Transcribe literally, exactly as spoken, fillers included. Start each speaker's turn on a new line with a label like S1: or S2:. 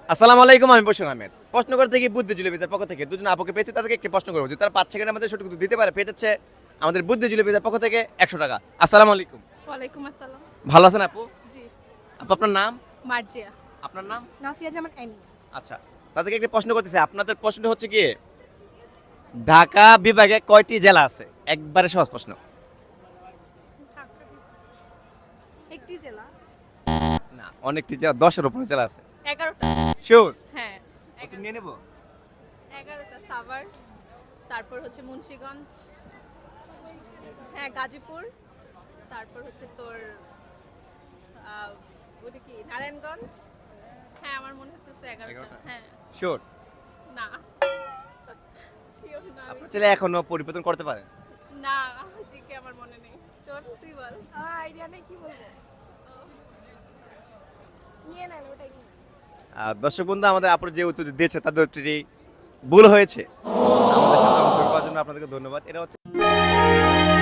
S1: আসসালামু আলাইকুম, আমি বশির আহমেদ। প্রশ্ন করতে গিয়ে বুদ্ধিজীবী পেজের পক্ষ থেকে দুজন আপুকে পেয়েছি, তাদেরকে একটি প্রশ্ন করবো। যদি তারা পাঁচ সেকেন্ডের মধ্যে সঠিক উত্তর দিতে পারে, পেয়ে যাচ্ছে আমাদের বুদ্ধিজীবী পেজের পক্ষ থেকে একশো টাকা। আসসালামু আলাইকুম।
S2: ওয়ালাইকুম আসসালাম।
S1: ভালো আছেন আপু?
S2: জি।
S1: আপু আপনার নাম?
S2: মার্জিয়া।
S1: আপনার নাম?
S2: নাফিয়া জামান এনি।
S1: আচ্ছা, তাদেরকে একটি প্রশ্ন করতেছে। আপনাদের প্রশ্নটা হচ্ছে কি, ঢাকা বিভাগে কয়টি জেলা আছে? একবারে সহজ প্রশ্ন।
S2: একটি জেলা।
S1: না, অনেকটি জেলা, দশের উপরে জেলা আছে।
S2: এগারোটা।
S1: শিওর?
S2: হ্যাঁ।
S1: উত্তর নিয়ে নেব?
S2: এগারোটা। সাভার, তারপর হচ্ছে মুন্সিগঞ্জ, হ্যাঁ গাজীপুর, তারপর হচ্ছে তোর আহ, ওটা কি নারায়ণগঞ্জ। হ্যাঁ আমার মনে হচ্ছে এগারোটা।
S1: এগারোটা?
S2: হ্যাঁ।
S1: শিওর?
S2: না শিওর না আমি।
S1: আপনার ছেলে এখনো পরিবর্তন করতে পারেন?
S2: না জিকে আমার মনে নেই। তোর তুই বল। আমার আইডিয়া নেই কি বলবো। নিয়ে নেন ওটা কি।
S1: আহ, দর্শক বন্ধু, আমাদের আপুর যে উত্তর দিয়েছে তাদের উত্তরটি ভুল হয়েছে। আমাদের সাথে অংশগ্রহণ করার জন্য আপনাদেরকে ধন্যবাদ। এটা হচ্ছে